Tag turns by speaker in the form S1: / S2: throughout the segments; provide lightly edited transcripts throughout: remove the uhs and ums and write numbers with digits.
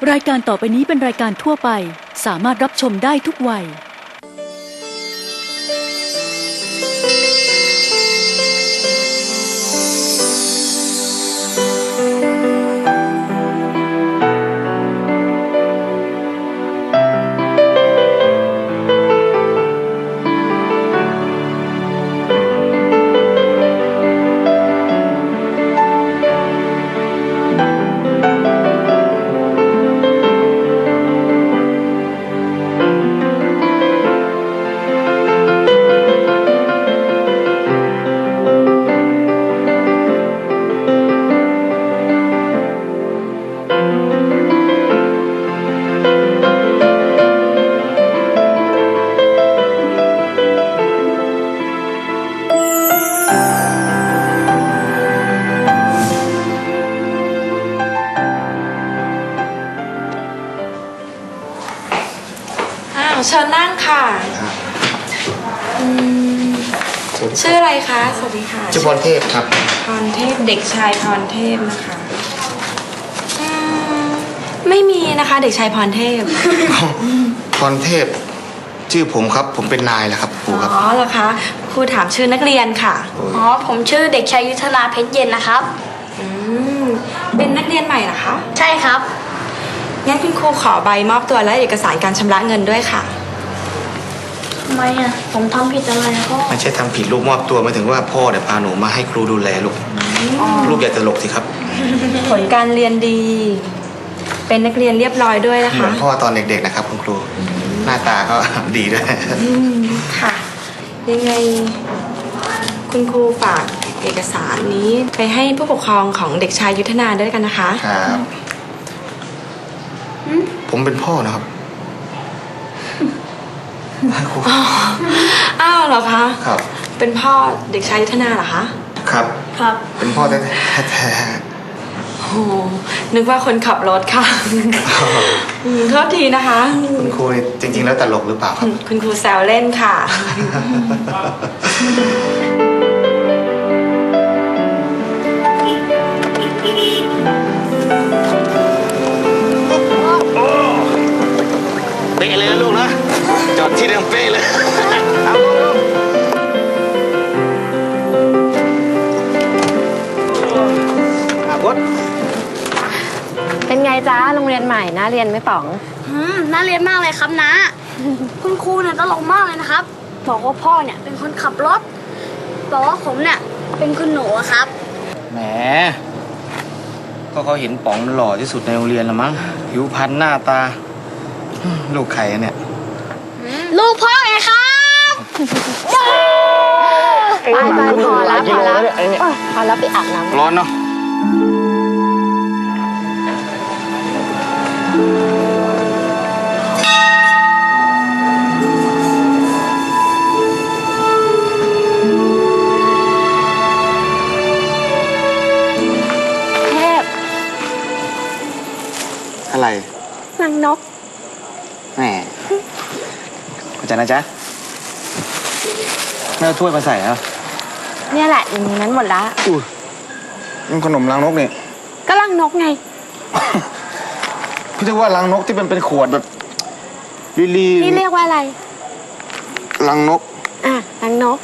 S1: รายการต่อไปนี้เป็นรายการทั่วไปสามารถรับชมได้ทุกวัย
S2: เชิญนั่งค่ะชื่ออะไรคะ สวัสดีค่ะ
S3: ชื่อพรเทพครับ
S2: พรเทพเด็กชายพรเทพนะคะไม่มีนะคะเด็กชายพรเทพ
S3: พรเทพชื่อผมครับผมเป็นนายแหละครับครูครับ
S2: อ๋อเหรอคะครูถามชื่อนักเรียนค่ะ
S4: อ๋อผมชื่อเด็กชายยุทธนาเพชรเย็นนะครับ
S2: เป็นนักเรียนใหม่เหรอคะ
S4: ใช่ครับ
S2: งั้นคุณครูขอใบมอบตัวและเอกสารการชำระเงินด้วยค่ะ
S4: ทำไมอ่ะผมทำผิดอะไรพ่อ
S3: ไม่ใช่ทำผิดลูกมอบตัวหมายถึงว่าพ่อเนี่ยพาหนูมาให้ครูดูแลลูกลูกอย่าตลกสิครับ
S2: ผลการเรียนดีเป็นนักเรียนเรียบร้อยด้วยนะคะ
S3: เหมือนพ่อตอนเด็กๆนะครับคุณครูหน้าตาก็ดีด้วย
S2: ค่ะยังไงคุณครูฝากเอกสารนี้ไปให้ผู้ปกครองของเด็กชายยุทธนาด้วยกันนะคะ
S3: ครับผมเป็นพ่อนะครับ
S2: อ้าวเหรอคะ
S3: ครับ
S2: เป็นพ่อเด็กชายยุทธนาเหรอคะ
S3: ครับ
S2: ครับ
S3: เป็นพ่อแท้
S2: โอ้นึกว่าคนขับรถค่ะโทษทีนะคะ
S3: คุณครูจริงๆแล้วตลกหรือเปล่าครับ
S2: คุณครูแซวเล่นค่ะ
S3: เป๊ะเลยลูกนะจอดที่เดิมเป๊ะเลยเอาลูกบด
S5: เป็นไงจ๊ะโรงเรียนใหม่น่าเรียนไหมป๋อง
S4: น่าเรียนมากเลยครับนะคุณครูเนี่ยตลกมากเลยนะครับบอกว่าพ่อเนี่ยเป็นคนขับรถบอกว่าผมเนี่ยเป็นคุณหนูครับ
S3: แหมก็เขาเห็นป๋องหล่อที่สุดในโรงเรียนละมั้งผิวพรรณหน้าตาลูกใครเนี่ย
S4: ลูกพ่อไงครับ
S5: ไปพอแล้วไปอาบน้ำ
S3: ร้อนเนาะ
S5: เทพ
S3: อะไร
S5: รังนก
S3: แหมเข้าใจนะจ๊ะไม่เอาถ้วยมาใส่ครับ
S5: เนี่ยแหละอย่างนั้นหมดละ
S3: นี่ขนมรังนกนี่
S5: ก็รังนกไง
S3: พี่เรียกว่ารังนกที่เป็นขวดแบบลี
S5: นี่เรียกว่าอะไร
S3: รังนก
S5: รังนก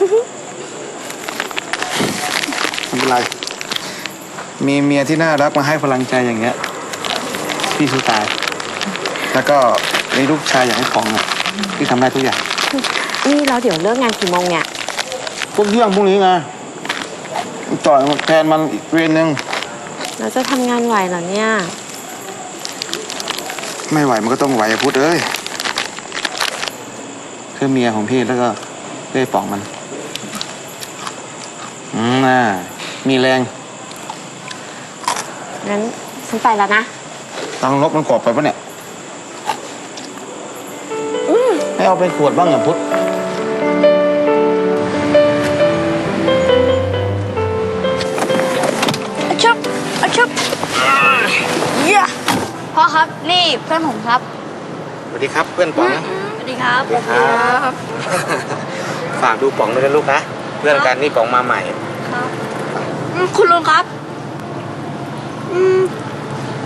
S3: ไม่เป็นไรมีเมียที่น่ารักมาให้พลังใจอย่างเงี้ยพี่สู้ตายแล้วก็มีลูกชายอย่างให้ของพี่ทำได้ทุกอย่าง
S5: นี่เราเดี๋ยวเลิกงานกี่โมงเนี่ย
S3: พวกเรื่องพวกนี้ไงจ่อยแทนมันอีกเวรนึง
S5: เราจะทำงานไหวเหรอเนี่ย
S3: ไม่ไหวมันก็ต้องไหวพุทธเอ้ยคือเมียของพี่แล้วก็เล่ป๋องมันมีแรง
S5: งั้นฉันไปแล้วนะ
S3: ตังนกมันกรอบไปปะเนี่ยให้เอาไปขวดบ้างอย่าพุทธ
S4: ชุบพ่อครับนี่เพื่อนผมครับ
S3: สวัสดีครับเพื่อนป๋อง
S4: สวัสดีครับ
S3: ฝากดูป๋องด้วยนะลูกนะเพื่อนกันนี่ป๋องมาใหม่
S4: ครับคุณลุงครับ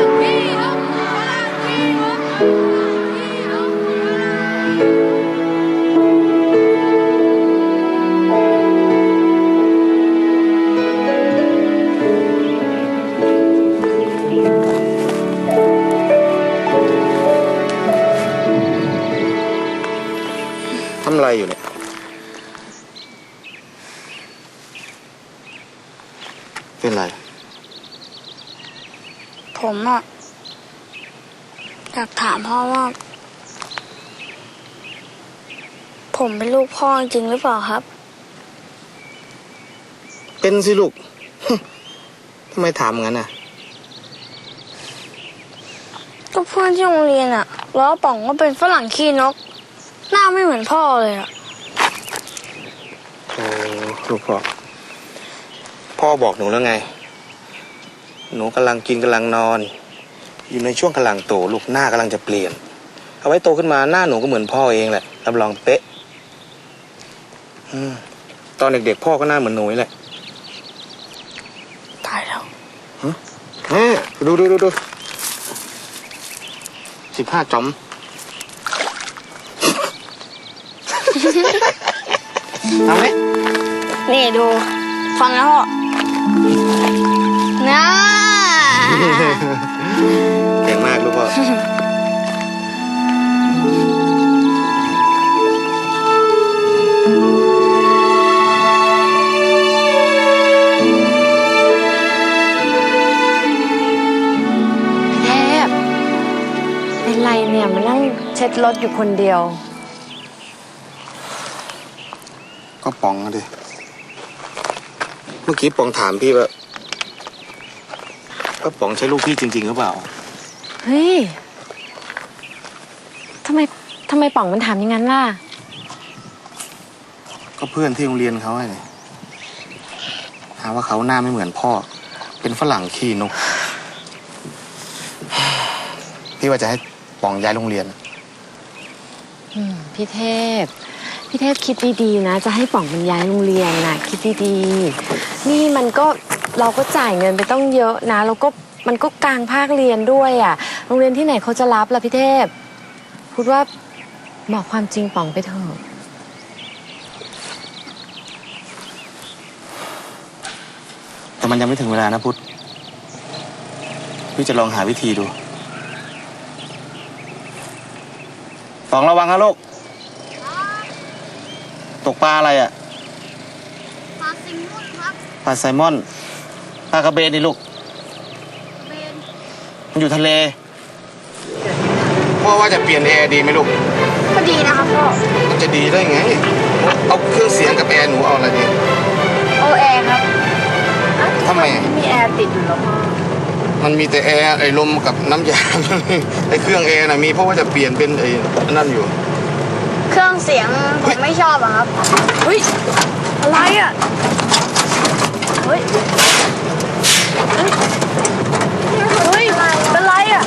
S3: ทำอะไรอยู่เนี่ย เป็นไร
S4: ผมอะอยากถามพ่อว่า ผมเป็นลูกพ่อจริงหรือเปล่าครับ
S3: เป็นสิลูก ทำไมถามงั้นน่ะ
S4: ก็เพื่อนที่โรงเรียนอะล้อป๋องว่าเป็นฝรั่งขี้นก หน้าไม่เหมือนพ่อเลยอะ
S3: โอ้ลูกพ่อ พ่อบอกหนูแล้วไง หนูกำลังกินกำลังนอน อยู่ในช่วงกำลังโตลูกหน้ากำลังจะเปลี่ยน เอาไว้โตขึ้นมาหน้าหนูก็เหมือนพ่อเองแหละรับรองเป๊ะตอนเด็กๆพ่อก็หน้าเหมือนหนูนี่แหละ
S4: ตายแล้ว
S3: ดู15 จอม ทำไหม
S4: นี่ดู ฟังนะพ่อนะ
S3: เก่งมากลูกพ่อ
S5: เทพเป็นไรเนี่ยมานั่งเช็ดรถอยู่คนเดียว
S3: ก็ป๋องอะดิ เมื่อกี้ป๋องถามพี่ว่าก็ป๋องใช่ลูกพี่จริงๆหรือเปล่า
S5: เฮ้ยทำไมป๋องมันถามอย่างนั้นล่ะ
S3: ก็เพื่อนที่โรงเรียนเขาไงหาว่าเขาหน้าไม่เหมือนพ่อ เป็นฝรั่งขี้นก พี่ว่าจะให้ป๋องย้ายโรงเรียน
S5: พี่เทพคิดดีๆนะ จะให้ป๋องมันย้ายโรงเรียนน่ะ คิดดีๆนี่มันก็เราก็จ่ายเงินไปต้องเยอะนะแล้วก็มันก็กลางภาคเรียนด้วยอ่ะโรงเรียนที่ไหนเขาจะรับล่ะพี่เทพพูดว่าบอกความจริงป๋องไปเถอะ
S3: แต่มันยังไม่ถึงเวลานะพุทธพี่จะลองหาวิธีดูป๋องระวังนะลูก ตกปลาอะไรอ่ะ
S4: ปลาซิงมุนครับ
S3: ปลาไซมอน ปลากระเบนนี่ลูก มันอยู่ทะเล พ่อว่าจะเปลี่ยนแอร์ดีไหมลูก
S4: ก็ดีนะครับพ่อ
S3: มันจะดีได้ไง เอาเครื่องเสียงกับแอร์หนูเอาอะไรดี
S4: โอแอร์ครับ
S3: ทำไม
S5: มีแอร์ติดอยู่แล้วพ่อ
S3: มันมีแต่แอร์ไอ้ลมกับน้ำยา ไอ้เครื่องแอร์น่ะมีเพราะว่าจะเปลี่ยนเป็นไอ้นั่นอยู่
S4: เครื่องเสียงผมไม่ชอบอะครับ
S5: เฮ้ยอะไรอ่ะเฮ้ยเป็นไรอ่ะ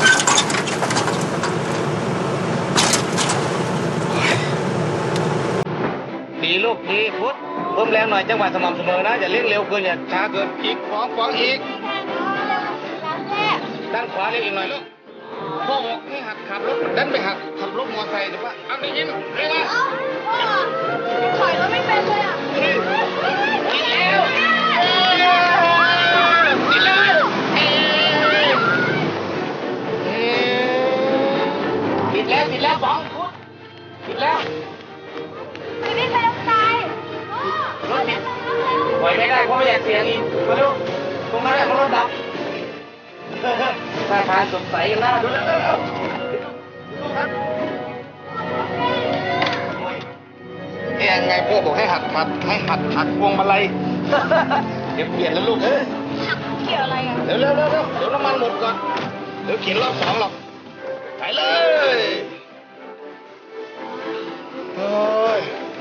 S3: ดีลูกดีพุทธเพิ่มแรงหน่อยจังหวะสม่ำเสมอนะอย่าเร่งเร็วเกินอย่าช้าเกินอีกฟ้องอีกางขวาเร็วอีกหน่อยลูกพ่อบอกให้หักขับรถดันไปหักขับรถมอเตอร์ไซค์หรือว่าเอาได้ยินเร็วมา
S4: ถอยรถไม่เป็นเลยอ่ะ
S3: ติดแล้วติดแล้วติดแล้วป๋องติดแล้ว
S4: ไม่ได้ใครตาย
S3: รถติดปล่อยไม่ได้เพราะไม่อยากเสียงอีกมาดูตรงนั้นแหละรถดับท่าทางสดใสกันหน้าดูแล้วยังไงพ่อบอกให้หักพวงมาลัยเดี๋ยวเปลี่ยนแล้วลูกเอ้ย
S4: เกี่ยวอะไรอ่ะ
S3: เร็วเดี๋ยวน้ำมันหมดก่อนเดี๋ยวเขียนรอบ2หรอกไปเลยโอ้ย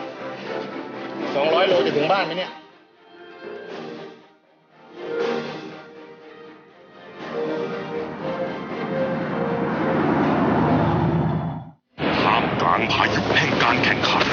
S3: 200 โลจะถึงบ้านไหมเนี่ย
S6: ท่ามกลางพายุแห่งการแข่งขัน